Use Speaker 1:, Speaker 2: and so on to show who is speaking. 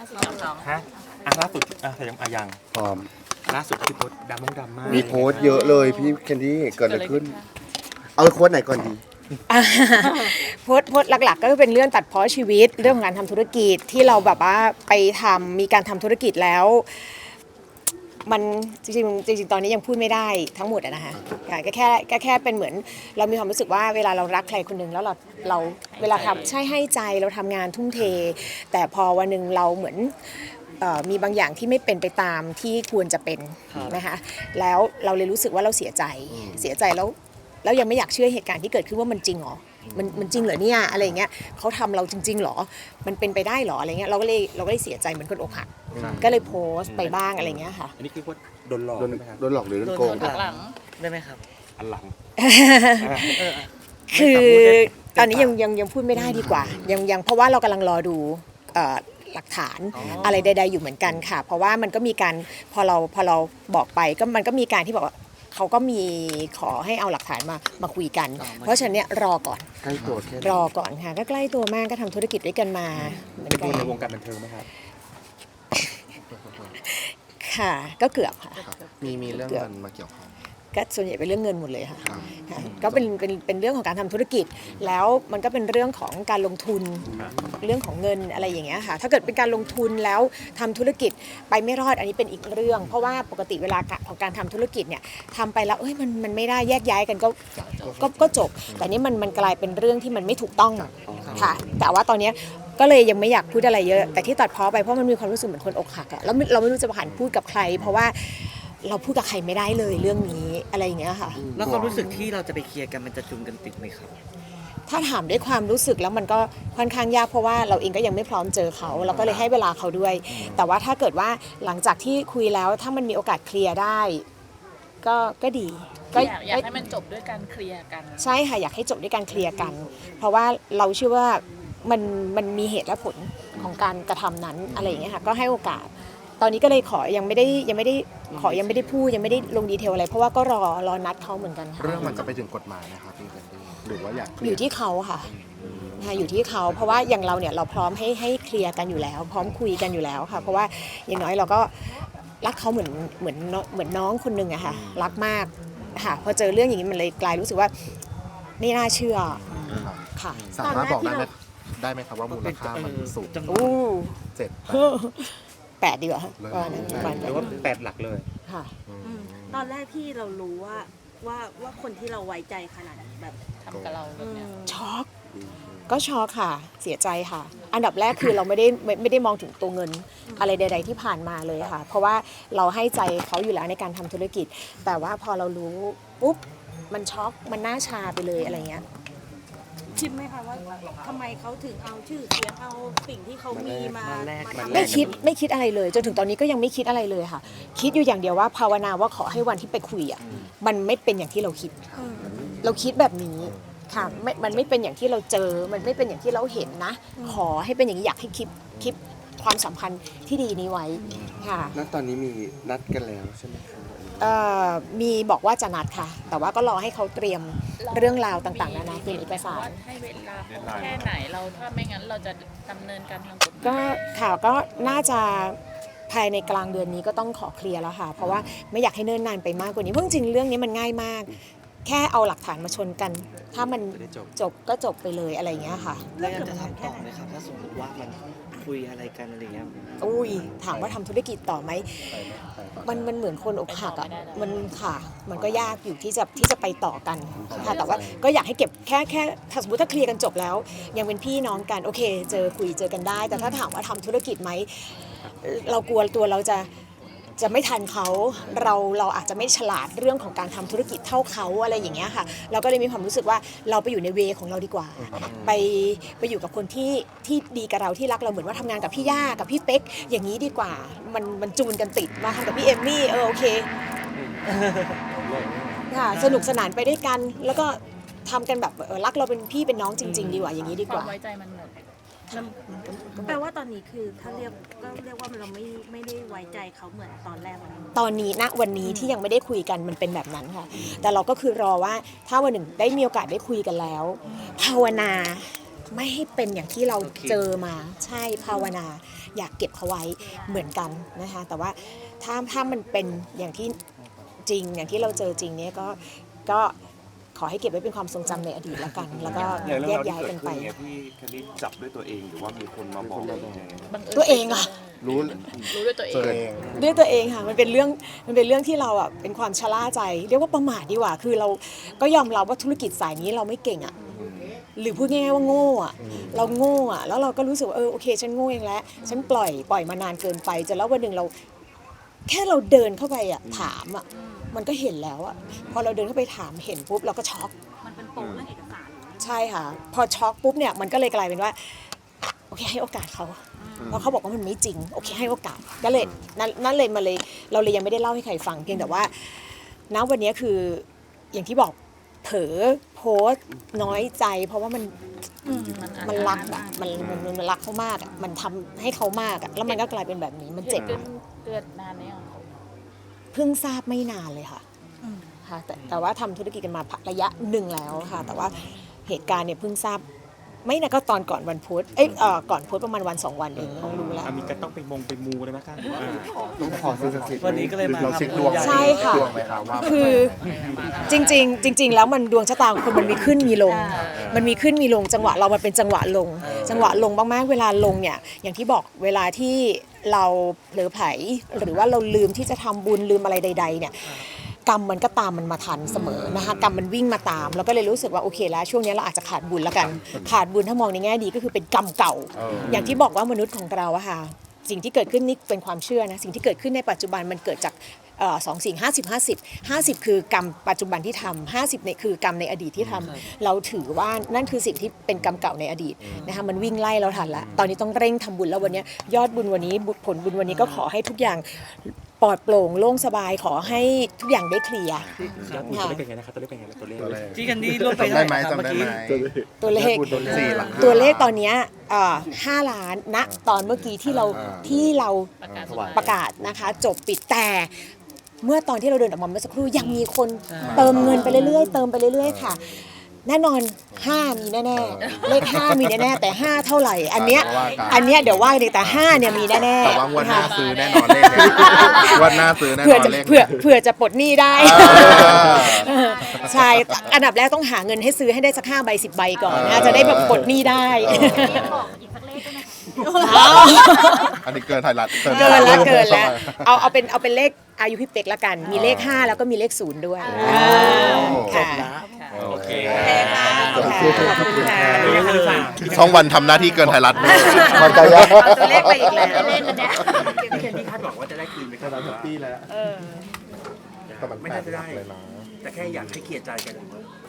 Speaker 1: ฮะล่าสุดแต่ยัง
Speaker 2: พร้อม
Speaker 1: ล่าสุดที่โพสต์ดำมาก
Speaker 2: มีโพสต์เยอะเลยพี่แคนดี้เกิดอะไรขึ้น เอาโค้ดไหนก่อนดี
Speaker 3: โพสต์หลักๆก็เป็นเรื่องตัดพ้อชีวิตเรื่องของการทำธุรกิจที่เราแบบว่าไปมีการทำธุรกิจแล้วมันจริงตอนนี้ยังพูดไม่ได้ทั้งหมดนะคะก็แค่เป็นเหมือนเรามีความรู้สึกว่าเวลาเรารักใครคนหนึ่งแล้วเราเวลาทำใช่ให้ใจเราทำงานทุ่มเทแต่พอวันหนึ่งเราเหมือนมีบางอย่างที่ไม่เป็นไปตามที่ควรจะเป็นนะคะแล้วเราเลยรู้สึกว่าเราเสียใจแล้วยังไม่อยากเชื่อเหตุการณ์ที่เกิดขึ้นว่ามันจริงเหรอมันจริงเหรอเนี่ยอะไรเงี้ยเขาทำเราจริงๆเหรอมันเป็นไปได้เหรออะไรเงี้ยเราก็เลยเสียใจเหมือนคนอกหักก็เลยโพสต์ไปบ้างอะไรเงี้ยค่ะ
Speaker 1: อันนี้คือว่าโดนหลอกใช่ไหมครับ
Speaker 2: โดนหลอกหรือโดนโกง
Speaker 4: หลังได้ไหมครับ
Speaker 1: อันหลัง
Speaker 3: คือตอนนี้ยังพูดไม่ได้ดีกว่ายังเพราะว่าเรากำลังรอดูหลักฐานอะไรใดๆอยู่เหมือนกันค่ะเพราะว่ามันก็มีการพอเราบอกไปก็มันก็มีการที่บอกว่าเขาก็มีขอให้เอาหลักฐานมาคุยกันเพราะฉะนั้นเนี่ยรอก่อน
Speaker 2: ใกล้ตัวแค่
Speaker 3: รอก่อนค่ะก็ใกล้ตัวมากก็ทำธุรกิจด้วยกันมาเหมือน
Speaker 1: เป็น
Speaker 3: กั
Speaker 1: คน
Speaker 3: น
Speaker 1: ในวงการบันเทิงไหมครับ
Speaker 3: ค่ะก็เกือบค่ะ
Speaker 2: มีเรื่องเงินมาเกี่ยวข้อง
Speaker 3: ก็ส่วนใหญ่เป็นเรื่องเงินหมดเลยค่ะก็เป็นเรื่องของการทำธุรกิจแล้วมันก็เป็นเรื่องของการลงทุนเรื่องของเงินอะไรอย่างเงี้ยค่ะถ้าเกิดเป็นการลงทุนแล้วทำธุรกิจไปไม่รอดอันนี้เป็นอีกเรื่องเพราะว่าปกติเวลาของการทำธุรกิจเนี่ยทำไปแล้วมันไม่ได้แยกย้ายกันก็จบแต่นี่มันกลายเป็นเรื่องที่มันไม่ถูกต้องค่ะแต่ว่าตอนนี้ก็เลยยังไม่อยากพูดอะไรเยอะแต่ที่ตัดพ้อไปเพราะมันมีความรู้สึกเหมือนคนอกหักอะแล้วเราไม่รู้จะผ่านพูดกับใครเพราะว่าเราพูดกับใครไม่ได้เลยเรื่องนี้อะไรอย่างเงี้ยค่ะ
Speaker 4: แล้วความรู้สึกที่เราจะไปเคลียร์กันมันจะจูนกันติดไหมครับ
Speaker 3: ถ้าถามด้วยความรู้สึกแล้วมันก็ค่อนข้างยากเพราะว่าเราเองก็ยังไม่พร้อมเจอเขาเราก็เลยให้เวลาเขาด้วยแต่ว่าถ้าเกิดว่าหลังจากที่คุยแล้วถ้ามันมีโอกาสเคลียร์ได้ก็ดี
Speaker 5: อยากให้มันจบด้วยการเคลียร์กัน
Speaker 3: ใช่ค่ะอยากให้จบด้วยการเคลียร์กันเพราะว่าเราเชื่อว่ามันมีเหตุและผลของการกระทำนั้นอะไรอย่างเงี้ยค่ะก็ให้โอกาสตอนนี้ก็เลยขอยังไม่ได้พูดยังไม่ได้ลงดีเทลอะไรเพราะว่าก็รอนัดเขาเหมือนกันค่ะ
Speaker 2: เรื่องมันจะไปถึงกฎหมายนะครับพี่แคนดี้หรือว่าอยาก
Speaker 3: อยู่ที่เขาค่ะอยู่ที่เขาเพราะว่าอย่างเราเนี่ยเราพร้อมให้เคลียร์กันอยู่แล้วพร้อมคุยกันอยู่แล้วค่ะเพราะว่าอย่างน้อยเราก็รักเขาเหมือนน้องคนหนึ่งอะค่ะรักมากค่ะพอเจอเรื่องอย่างนี้มันเลยกลายรู้สึกว่าไม่น่าเชื่อค่ะ
Speaker 2: สามารถบอกได้ไหมครับว่ามูลค่ามันสูง
Speaker 3: 8 ดีกว่าว่านั้นประมาณ
Speaker 1: หรือว่า8 หลักเลย
Speaker 3: ค่ะ
Speaker 6: ตอนแรกที่เรารู้ว่าคนที่เราไว้ใจขนาดนี้แบบ
Speaker 5: ทำกับเราแบบเนี้ย
Speaker 3: ช็อกก็ช็อกค่ะเสียใจค่ะอันดับแรกคือเราไม่ได้มองถึงตัวเงินอะไรใดๆที่ผ่านมาเลยค่ะเพราะว่าเราให้ใจเขาอยู่แล้วในการทำธุรกิจแต่ว่าพอเรารู้ปุ๊บมันช็อกมันหน้าชาไปเลยอะไรเงี้ย
Speaker 6: คิดไหมคะว่าทำไมเขาถึงเอาชื่อเสียงเอาสิ่งที่เขามีมา
Speaker 3: ไม่คิดอะไรเลยจนถึงตอนนี้ก็ยังไม่คิดอะไรเลยค่ะคิดอยู่อย่างเดียวว่าภาวนาว่าขอให้วันที่ไปคุยอ่ะมันไม่เป็นอย่างที่เราคิดเราคิดแบบนี้ค่ะมันไม่เป็นอย่างที่เราเจอมันไม่เป็นอย่างที่เราเห็นนะขอให้เป็นอย่างนี้อยากให้คิดความสัมพันธ์ที่ดีนี้ไว้ค่ะ
Speaker 2: ณตอนนี้มีนัดกันแล้วใช่ไหมครับ
Speaker 3: มีบอกว่าจะนัดค่ะแต่ว่าก็รอให้เขาเตรียมเรื่องราวต่างๆนานาเป็นเอกสาร
Speaker 5: ให้เวลาแค่ไหนเราถ้าไม่งั้นเราจะดำเนินการทางกฎหมาย
Speaker 3: ก็ข่าวก็น่าจะภายในกลางเดือนนี้ก็ต้องขอเคลียร์แล้วค่ะเพราะว่าไม่อยากให้เนิ่นนานไปมากกว่านี้เพราะจริงๆเรื่องนี้มันง่ายมากแค่เอาหลักฐานมาชนกันถ้ามันจบก็จบไปเลยอะไรอย่างเงี้ยค่ะ
Speaker 4: แล้วจะทำต่อไหมครับถ้าสมมติว่ามันคุยอะไรกันอะไรเงี้ย
Speaker 3: อุ้ยถามว่าทำธุรกิจต่อไหมมันเหมือนคนอกหักอ่ะมันค่ะมันก็ยากอยู่ที่จะไปต่อกันค่ะแต่ว่าก็อยากให้เก็บแค่ถ้าสมมติถ้าเคลียร์กันจบแล้วยังเป็นพี่น้องกันโอเคเจอกันได้แต่ถ้าถามว่าทำธุรกิจไหมเรากลัวตัวเราจะไม่ทันเขาเราอาจจะไม่ฉลาดเรื่องของการทำธุรกิจเท่าเขาอะไรอย่างเงี้ยค่ะเราก็เลยมีความรู้สึกว่าเราไปอยู่ในเวของเราดีกว่าไปอยู่กับคนที่ดีกับเราที่รักเราเหมือนว่าทำงานกับพี่ย่ากับพี่เป๊กอย่างนี้ดีกว่ามันจูนกันติดมาทำกับพี่เอมมี่โอเคค่ะสนุกสนานไปด้วยกันแล้วก็ทำกันแบบรักเราเป็นพี่เป็นน้องจริงๆดีกว่าอย่างนี้ดีกว่า
Speaker 5: ความไว้ใจมันหมด
Speaker 6: แปลว่าตอนนี้คือถ้าเรียกว่าเราไม่ได้ไว้ใจเขาเหมือนตอนแรก
Speaker 3: ตอนนี้ณวันนี้ที่ยังไม่ได้คุยกันมันเป็นแบบนั้นค่ะแต่เราก็คือรอว่าถ้าวันหนึ่งได้มีโอกาสได้คุยกันแล้วภาวนาไม่ให้เป็นอย่างที่เราเจอมาใช่ภาวนาอยากเก็บเขาไว้เหมือนกันนะคะแต่ว่าถ้ามันเป็นอย่างที่จริงอย่างที่เราเจอจริงเนี่ยก็ขอให้เก็บไว้เป็นความทรงจำในอดีตแล้วกัน แล้วก็
Speaker 7: อย่างเรื่อง
Speaker 3: แย
Speaker 7: ราก วที่
Speaker 3: ย้าย
Speaker 7: เกิ
Speaker 3: กั
Speaker 7: ด
Speaker 3: น
Speaker 7: ขึ้
Speaker 3: ไป
Speaker 7: นเนี่ยพี่แคนดี้จับด้วยตัวเองหรือว่ามีคนมาบอก
Speaker 5: บังเอิญ
Speaker 3: ตัวเองอะ
Speaker 2: รู้
Speaker 5: รู้ด้วยตัวเอ
Speaker 2: ตัว
Speaker 5: ง
Speaker 2: เอง
Speaker 3: ด้วยตัวเองค่ะมันเป็นเรื่องที่เราอ่ะเป็นความชะล่าใจเรียกว่าประมาทดีกว่าคือเราก็ยอมรับว่าธุรกิจสายนี้เราไม่เก่งอ่ะหรือพูดง่ายๆว่าโง่อ่ะเราโง่อ่ะแล้วเราก็รู้สึกว่าโอเคฉันโง่เองแล้วฉันปล่อยมานานเกินไปจนแล้ววันหนึ่งเราแค่เราเดินเข้าไปอ่ะถามอ่ะมันก็เห็นแล้วอ่ะพอเราเดินเข้าไปถามเห็นปุ๊บเราก็ช็อก
Speaker 6: มันเป็นโปร่งเรื่องเอกสาร
Speaker 3: ใช่ค่ะพอช็อกปุ๊บเนี่ยมันก็เลยกลายเป็นว่าโอเคให้โอกาสเขาเพราะเขาบอกว่ามันไม่จริงโอเคให้โอกาสก็เลยนั่นเลยมาเลยเราเลยยังไม่ได้เล่าให้ใครฟังเพียงแต่ว่าณวันนี้คืออย่างที่บอกเผลอโพสต์น้อยใจ เพราะว่ามันรักอะมันรักเขามากอะมันทำให้เขามากอะแล้วมันก็กลายเป็นแบบนี้มันเจ็บ
Speaker 5: เกิดนานไหมอ่ะ
Speaker 3: เพิ่งทราบไม่นานเลยค่ะค่ะแต่ว่าทำธุรกิจกันมาระยะหนึ่งแล้วค่ะแต่ว่าเหตุการณ์เนี่ยเพิ่งทราบไม่นะก็ตอนก่อนวันพุธก่อนพุธประมาณวัน2 วันเองต้องรู้แล้ว
Speaker 1: มีก็ต้องไปมูเลยไหมคะ
Speaker 2: ต้องขอซื้อสักสิทธิ์
Speaker 4: วันนี้ก็เลยมา
Speaker 2: เราเช็คดวง
Speaker 3: ใช่ค่ะ
Speaker 2: ดวงไหมครับว่า
Speaker 3: คือจริง ๆ แล้วมันดวงชะตาของคนมันมีขึ้นมีลง มันมีขึ้นมีลงจังหวะเรามันเป็นจังหวะลง จังหวะลงมากๆเวลาลงเนี่ยอย่างที่บอกเวลาที่เราเผลอไผลหรือว่าเราลืมที่จะทำบุญลืมอะไรใด ๆ เนี่ยกรรมมันก็ตามมันมาทันเสมอนะคะกรรมมันวิ่งมาตามแล้วก็เลยรู้สึกว่าโอเคแล้วช่วงนี้เราอาจจะขาดบุญแล้วกันขาดบุญถ้ามองในแง่ดีก็คือเป็นกรรมเก่า อย่างที่บอกว่ามนุษย์ของเราอะค่ะสิ่งที่เกิดขึ้นนี่เป็นความเชื่อนะสิ่งที่เกิดขึ้นในปัจจุบันมันเกิดจาก2 สิ่ง50 คือกรรมปัจจุบันที่ทำ50เนี่ยคือกรรมในอดีตที่ทำเราถือว่านั่นคือสิ่งที่เป็นกรรมเก่าในอดีตนะคะมันวิ่งไล่เราทันแล้วตอนนี้ต้องเร่งทำบุญแล้ววันนี้ยอดบุญวันนี้ผลบุญวันนี้ก็ขอให้ทุกอย่างปลอดโปร่งโล่งสบายขอให้ทุกอย่างได้เคลียร์
Speaker 1: ยอดบุญตัวเลขเป็นไงนะครับตัวเลขเป็นไงตัวเลข
Speaker 4: พี่แคนดี้ร่วมไป
Speaker 2: จำได้ไหม
Speaker 4: เท่า
Speaker 2: จำได้
Speaker 4: เมื่อ
Speaker 2: ไหม
Speaker 4: กี้
Speaker 3: ตัวเลข
Speaker 2: พูดตัวสี่หลัก
Speaker 3: ตัวเลขตอนเนี้ย5 ล้านณตอนเมื่อกี้ที่เราประกาศนะคะจบปิดแต่เมื่อตอนที่เราเดินออกมาเมื่อสักครู่ยังมีคนเติมเงินไปเรื่อยๆเติมไปเรื่อยๆค่ะแน่นอน5มีแน่ๆเลข5มีแน่ๆแต่5เท่าไหร่อันเนี้ยเดี๋ยวว่ากันแต่5เนี่ยมีแน่ๆ
Speaker 2: แต่ว่างวดหน้าซื้อแน่นอนเลขเนี่ยงวดหน้าซื้อแน่น
Speaker 3: เผื่อ
Speaker 2: อน
Speaker 3: จะ
Speaker 2: เลข
Speaker 3: เผื่อจะปลดหนี้ได้ใช่อันดับแรกต้องหาเงินให้ซื้อให้ได้สัก5 ใบ 10 ใบก่อนนะจะได้แบบปลดหนี้ได้
Speaker 6: บอกอีกสักเลขได้ไหม
Speaker 2: อันนี้เกินไทยรัฐ
Speaker 3: เกินแล้วเอาเป็นเลขอายุพี่เป็กละกันมีเลข5แล้วก็มีเลข0ด้วยค่ะ
Speaker 1: โอเค
Speaker 3: ขอบคุณค่ะ
Speaker 2: ช่องวันทำหน้าที่เกินไทยรัฐด้วยมันใจยาก
Speaker 3: เอาตัวเลขไปอีกแล้ว
Speaker 5: เล่นแล้วเนี่ย
Speaker 1: พี่แคนดี้คาดหวังว่าจะได้คืนไหมครับ
Speaker 2: ปีแล้วแต่มัน
Speaker 1: ไม่น่าจะได้
Speaker 2: เลยนะ
Speaker 1: แต่แค่อยากให้เคลียร์ใจกัน